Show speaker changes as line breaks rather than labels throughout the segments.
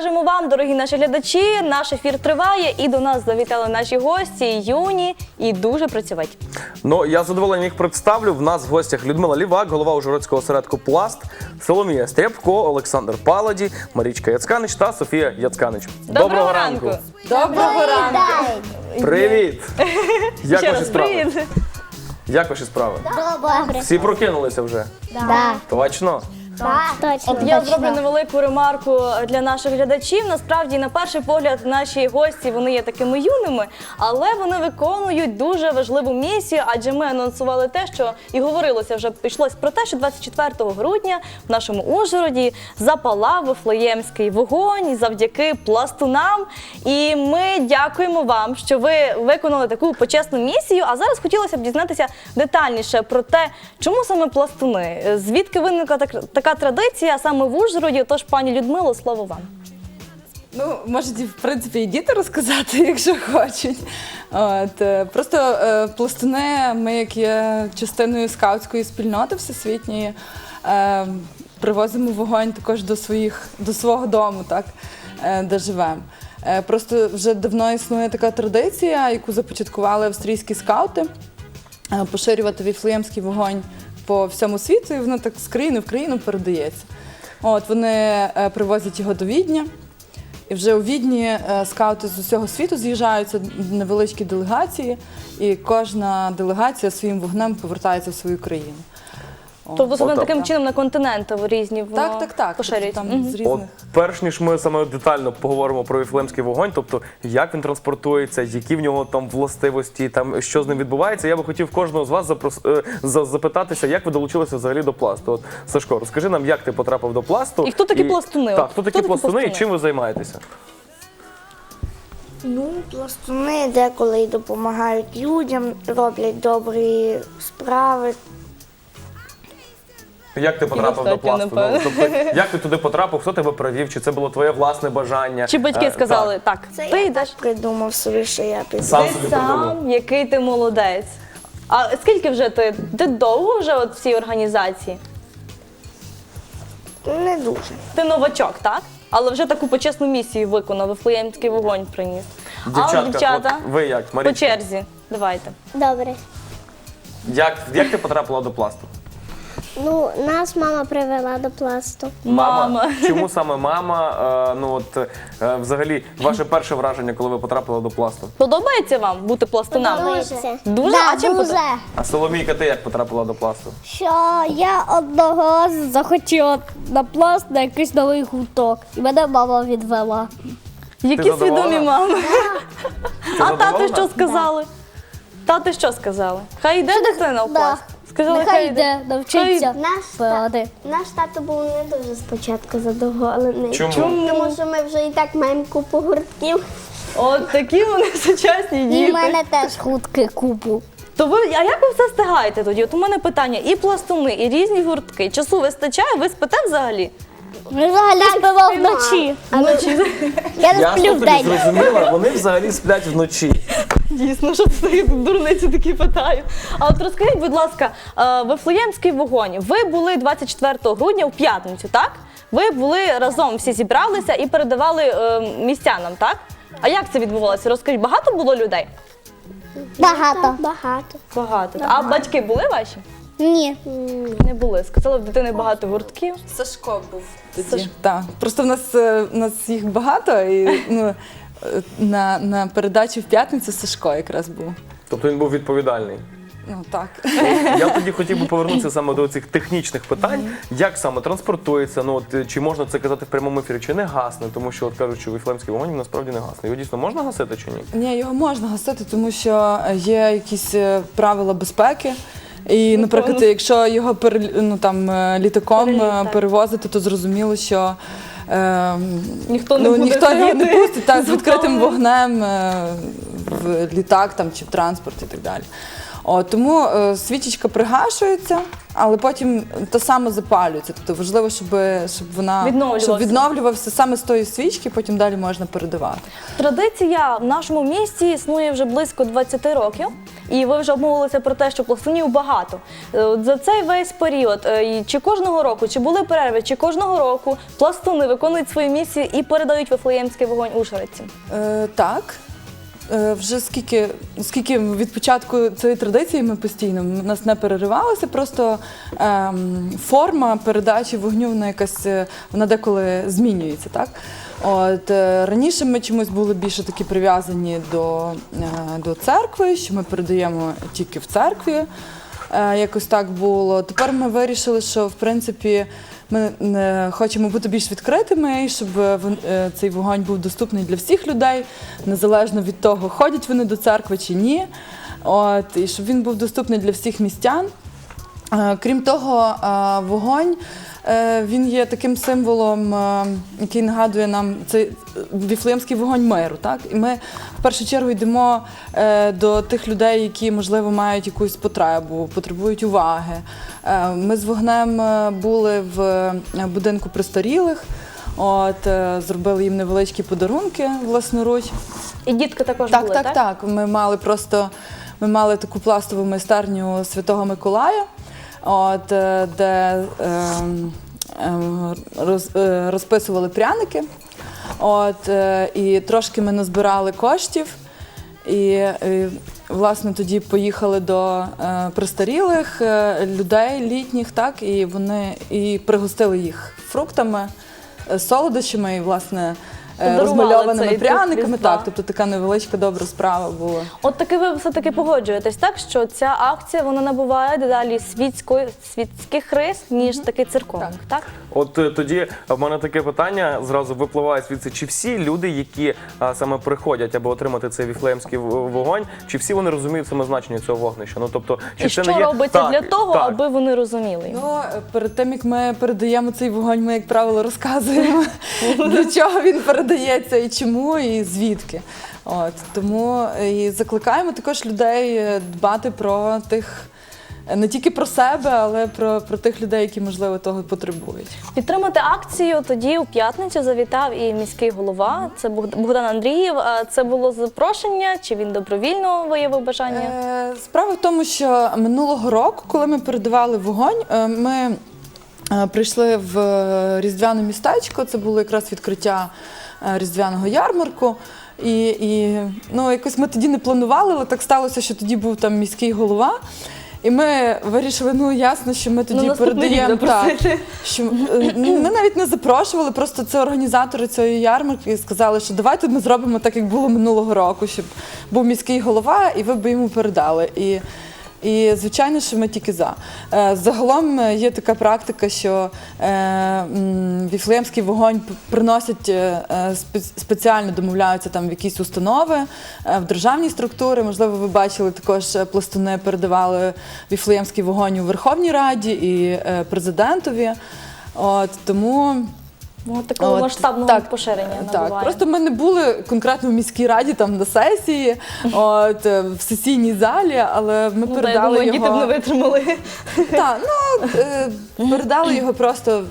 кажемо вам, дорогі наші глядачі, наш ефір триває і до нас завітали наші гості, юні і дуже працьовиті.
Ну, я з задоволенням їх представлю. В нас в гостях Людмила Лівак, голова Ужгородського осередку «Пласт», Соломія Стрябко, Олександр Паладі, Марічка Яцканич та Софія Яцканич.
Доброго ранку!
Доброго ранку!
Привіт! Як
Ще
ваші
раз
справи?
привіт!
Як ваші справи?
Добре.
Всі прокинулися вже?
Да.
Точно?
Точно.
От я зроблю невелику ремарку для наших глядачів. Насправді, на перший погляд, наші гості, вони є такими юними, але вони виконують дуже важливу місію, адже ми анонсували те, що і говорилося вже, йшлось про те, що 24 грудня в нашому Ужгороді запалав Вифлеємський вогонь завдяки пластунам. І ми дякуємо вам, що ви виконали таку почесну місію. А зараз хотілося б дізнатися детальніше про те, чому саме пластуни, звідки виникла така традиція саме в Ужгороді. Тож, пані Людмило, слово вам.
Ну, можуть, в принципі, і діти розказати, якщо хочуть. Просто пластуни, ми, як є частиною скаутської спільноти всесвітньої, привозимо вогонь також до свого дому, так, де живемо. Просто вже давно існує така традиція, яку започаткували австрійські скаути, поширювати віфлеємський вогонь по всьому світу, і воно так з країни в країну передається. Вони привозять його до Відня, і вже у Відні скаути з усього світу з'їжджаються, невеличкі делегації, і кожна делегація своїм вогнем повертається в свою країну.
Тобто саме таким чином на континенти різні воно
Так.
поширюється.
Там з
От
різних.
перш ніж ми саме детально поговоримо про Віфлеємський вогонь, тобто як він транспортується, які в нього там властивості, там що з ним відбувається, я би хотів кожного з вас запитатися, як ви долучилися взагалі до пласту. От, Сашко, розкажи нам, як ти потрапив до пласту.
І хто такі пластуни?
Так, хто такі пластуни і
пластуни?
чим ви займаєтеся?
Ну, пластуни деколи допомагають людям, роблять добрі справи.
Як ти потрапив до
достатньо,
пласту?
напевно.
Тобто, як ти туди потрапив, хто тебе привів, чи це було твоє власне бажання?
Чи батьки сказали, так,
Це
ти
я
йдеш?
так придумав собі, що я піду.
Сам
Ти
собі придумав.
сам, який ти молодець. А скільки вже ти довго вже от в цій організації?
Не дуже.
Ти новачок, так? Але вже таку почесну місію виконав, Вифлеємський вогонь приніс.
Дівчатка,
А от дівчата,
от ви як,
по
Марічка?
черзі, давайте.
Добре.
Як ти потрапила до пласту?
Ну, нас мама привела до пласту.
Мама.
Чому саме мама? Взагалі, ваше перше враження, коли ви потрапили до пласту?
Подобається вам бути пластуном?
Подобається.
Дуже?
Да,
А чим
дуже.
А Соломійка, ти як потрапила до пласту?
Що я одного разу захотіла на пласт на якийсь новий гурток. І мене мама відвела.
Які
Ти задоволена?
свідомі мами. А тати
задоволена?
що сказали? Тати що сказали? Хай йде дитина в пласт. Сказали,
Нехай йде, навчиться.
Наш тато був не дуже спочатку задоволений.
Чому?
Тому що ми вже і так маємо купу гуртків.
От такі вони сучасні
І в
діти.
мене теж гуртки купу.
То ви, а як ви все встигаєте тоді? От у мене питання, і пластуни, і різні гуртки. Часу вистачає? Ви спите взагалі?
Ми взагалі спимо вночі. Я не
Я
сплю
тобі
вдень.
зрозуміла, вони взагалі сплять вночі.
Дійсно, що це дурниці такі питаю. А от розкажіть, будь ласка, Вифлеємський вогонь. Ви були 24 грудня у п'ятницю, так? Ви були разом, всі зібралися і передавали містянам, так? А як це відбувалося? Розкажіть, багато було людей?
Багато.
Багато. А батьки були ваші?
Ні.
Не були. Сказали, в дитини багато гуртків.
Сашко був тоді. Так. Просто в нас їх багато, і на передачі в п'ятницю Сашко якраз був.
Тобто він був відповідальний.
Ну так.
Я тоді хотів би повернутися саме до цих технічних питань. Як саме транспортується, чи можна це казати в прямому ефірі, чи не гасне, тому що от кажуть, що Віфлеємський вогонь насправді не гасне. Його дійсно можна гасити чи ні?
Ні, його можна гасити, тому що є якісь правила безпеки. І, наприклад, якщо його літаком перевозити, то зрозуміло, що
Ніхто не буде
ніхто його не
сидіти
пустить так, з відкритим
ззовні.
вогнем в літак чи в транспорт і так далі. Тому свічечка пригашується, але потім то саме запалюється. Тобто важливо, щоб відновлювався саме з тої свічки, потім далі можна передавати.
Традиція в нашому місті існує вже близько 20 років, і ви вже обмовилися про те, що пластунів багато. От за цей весь період, чи кожного року, чи були перерви, чи кожного року пластуни виконують свою місію і передають Вифлеємський вогонь ужгородцям?
Так. Вже скільки від початку цієї традиції ми постійно, у нас не переривалося, просто форма передачі вогню, вона деколи змінюється. Так? Раніше ми чомусь були більше такі прив'язані до церкви, що ми передаємо тільки в церкві, якось так було. Тепер ми вирішили, що в принципі ми хочемо бути більш відкритими, щоб цей вогонь був доступний для всіх людей, незалежно від того, ходять вони до церкви чи ні. І щоб він був доступний для всіх містян. Крім того, вогонь, він є таким символом, який нагадує нам цей Віфлеємський вогонь миру. Так? І ми в першу чергу йдемо до тих людей, які, можливо, мають якусь потребу, потребують уваги. Ми з вогнем були в будинку престарілих, зробили їм невеличкі подарунки власноруч.
І дітки також були, так?
Так. Ми мали таку пластову майстерню Святого Миколая, де розписували пряники. І трошки ми назбирали коштів. І власне тоді поїхали до престарілих людей літніх, так, і вони пригостили їх фруктами, солодощами і, власне, розмальованими пряниками. Так, тобто така невеличка добра справа була.
От таки ви все-таки погоджуєтесь, так, що ця акція, вона набуває дедалі світських рис, ніж таки церковних, так?
От тоді в мене таке питання зразу випливає звідси. Чи всі люди, які саме приходять, аби отримати цей віфлеємський вогонь, чи всі вони розуміють саме значення цього вогнища? Ну, тобто, чи
і
це
що
не є...
робиться для того, аби вони розуміли його?
Перед тим, як ми передаємо цей вогонь, ми, як правило, розказуємо, для чого він передається і чому, і звідки. Тому і закликаємо також людей дбати про тих, не тільки про себе, але про тих людей, які, можливо, того потребують.
Підтримати акцію тоді у п'ятницю завітав і міський голова, це Богдан Андрієв. Це було запрошення, чи він добровільно виявив бажання?
Справа в тому, що минулого року, коли ми передавали вогонь, ми прийшли в Різдвяне містечко, це було якраз відкриття Різдвяного ярмарку. І якось ми тоді не планували, але так сталося, що тоді був там міський голова. І ми вирішили, ясно, що ми тоді передаємо. Ми навіть не запрошували, просто це організатори цієї ярмарки і сказали, що давайте ми зробимо так, як було минулого року, щоб був міський голова, і ви б йому передали. І звичайно, що ми тільки за. Загалом є така практика, що віфлеємський вогонь приносять спеціально, домовляються там в якісь установи, в державні структури. Можливо, ви бачили, також пластуни передавали віфлеємський вогонь у Верховній Раді і президентові. Тому...
Такого масштабного поширення набуває.
Так, просто ми не були конкретно в міській раді, там на сесії, в сесійній залі, але ми передали його...
Діти б не витримали.
Так, передали його просто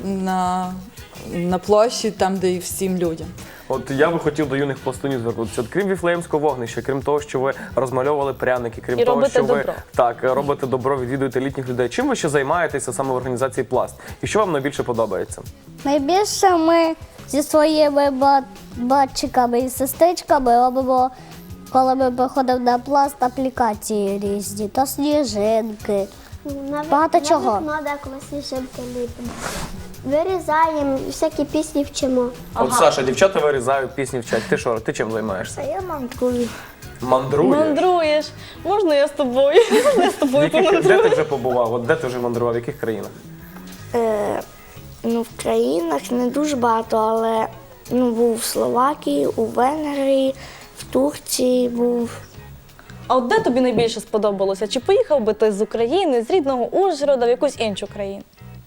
на площі, там, де і всім людям.
От я би хотів до юних пластунів звернутися. От крім віфлеємського вогнища, крім того, що ви розмальовували пряники, крім того, що ви робите добро, відвідуєте літніх людей. Чим ви ще займаєтеся саме в організації Пласт? І що вам найбільше подобається?
Найбільше ми зі своїми батчиками і сестричками робимо, коли ми приходимо на Пласт, аплікації різні, то сніжинки. Багато чого.
На вікно деколи сніжинки ліпимо. Вирізаємо, всякі пісні вчимо.
От, Саша, дівчата вирізають, пісні вчать. Ти що, ти чим займаєшся?
Я мандрую.
Мандруєш?
Мандруєш. Можна я з тобою? Можна я з тобою помандрую?
Де ти вже побував? От де ти вже мандрував? В яких країнах?
В країнах не дуже багато, але був в Словакії, у Венгрії, в Турції був.
А от де тобі найбільше сподобалося? Чи поїхав би ти з України, з рідного Ужгорода в якусь іншу країну?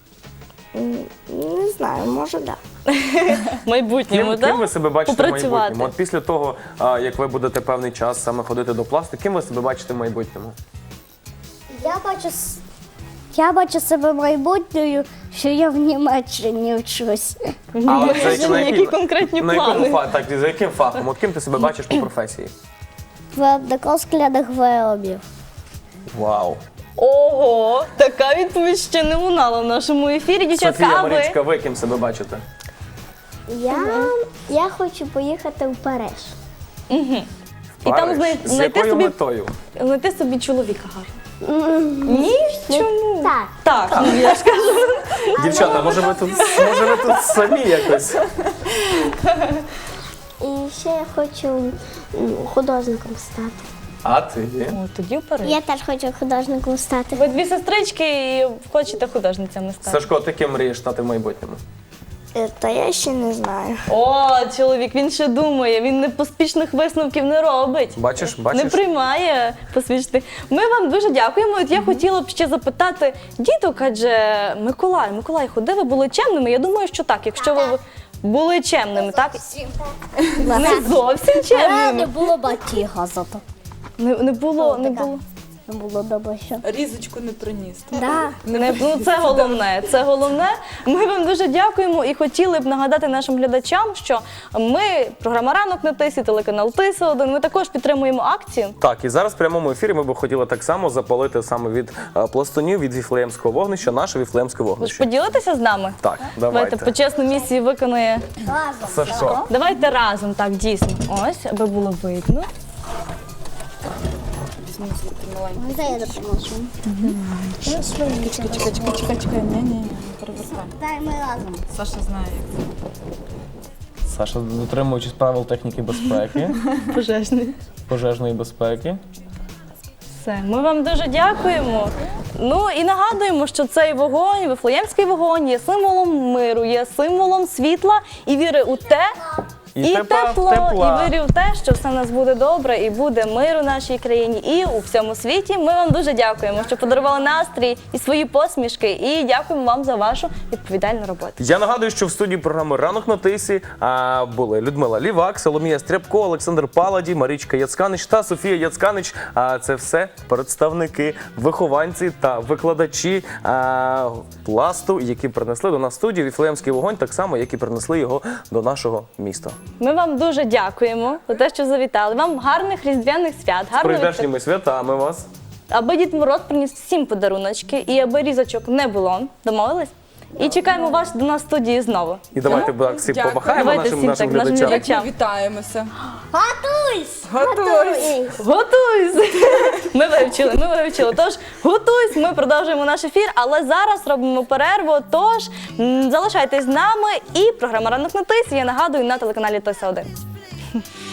Не знаю, може, так.
В майбутньому, так?
Ким ви себе бачите в
Попрацювати.
майбутньому? От після того, як ви будете певний час саме ходити до Пласту, ким ви себе бачите в майбутньому?
Я бачу Я бачу себе майбутньою, що я в Німеччині вчусь.
А от
Які конкретні
на якому
плани?
так, за яким фахом? От ким ти себе бачиш по професії?
Виробником скляних виробів.
Вау.
Ого, така відповідь ще не лунала в нашому ефірі. Дівчатка,
Софія,
а ви?
Марічка, ви ким себе бачите?
Я хочу поїхати в Париж.
І там
Париж? З
знайти
якою
собі,
метою?
знайти собі чоловіка гарного. Ні? Чому?
Так.
Так, ну, я ж кажу.
Дівчата, може ви тут самі якось?
І ще я хочу художником стати.
А ти?
О, тоді вперед.
Я теж хочу художником стати.
Ви дві сестрички і хочете художницями стати.
Сашко, ти ким мрієш стати в майбутньому?
Та я ще не знаю.
О, чоловік, він ще думає, він не поспішних висновків не робить.
Бачиш?
Не приймає посвідчити. Ми вам дуже дякуємо. От я хотіла б ще запитати діток, адже Миколай, ви були чемними? Я думаю, що так. Якщо ви були чемними, так? Не зовсім
Не
чемними.
було батіга зато.
Не було.
Не було добре що.
Різочку не приніс.
Да.
Ну, це головне. Це головне. Ми вам дуже дякуємо і хотіли б нагадати нашим глядачам, що ми, програма «Ранок на Тисі», телеканал Тиса-1, ми також підтримуємо акцію.
Так, і зараз в прямому ефірі ми б хотіли так само запалити саме від пластунів, від Віфлеємського вогнища, наше Віфлеємське
Ви ж
вогнище.
поділитеся з нами?
Так,
Давайте
давайте.
почесну місію виконує.
Сашко.
Давайте разом, так, дійсно. Ось, аби було видно.
Де я допоможу?
Чекай, ні, перевертай.
Дай ми разом.
Саша знає, як це.
Саша, дотримуючись правил техніки безпеки,
Пожежний.
пожежної безпеки.
Все, ми вам дуже дякуємо. Ну і нагадуємо, що цей вогонь, Вифлеємський вогонь, є символом миру, є символом світла і віри у те, і
тепла.
і вірю в те, що все в нас буде добре і буде мир у нашій країні і у всьому світі. Ми вам дуже дякуємо, що подарували настрій і свої посмішки. І дякуємо вам за вашу відповідальну роботу.
Я нагадую, що в студії програми «Ранок на Тисі» були Людмила Лівак, Соломія Стрябко, Олександр Паладі, Марічка Яцканич та Софія Яцканич. Це все представники, вихованці та викладачі пласту, які принесли до нас в студію Віфлеємський вогонь, так само, як і принесли його до нашого міста.
Ми вам дуже дякуємо за те, що завітали. Вам гарних різдвяних свят,
З
гарного
прийдешніми святами вас.
аби Дід Мороз приніс всім подаруночки і аби різочок не було. Домовились? І чекаємо вас до нас в студії знову.
І давайте так всі
Дякую.
помахаємо
Давайте
нашим
всім так, нашим
глядачам.
глядачам.
Як ми вітаємося.
Готуйсь!
Готуйсь!
Готуйся! Ми вивчили. Тож готуйся, ми продовжуємо наш ефір, але зараз робимо перерву. Тож залишайтесь з нами і програма «Ранок на Тисі», я нагадую, на телеканалі Тиса-1.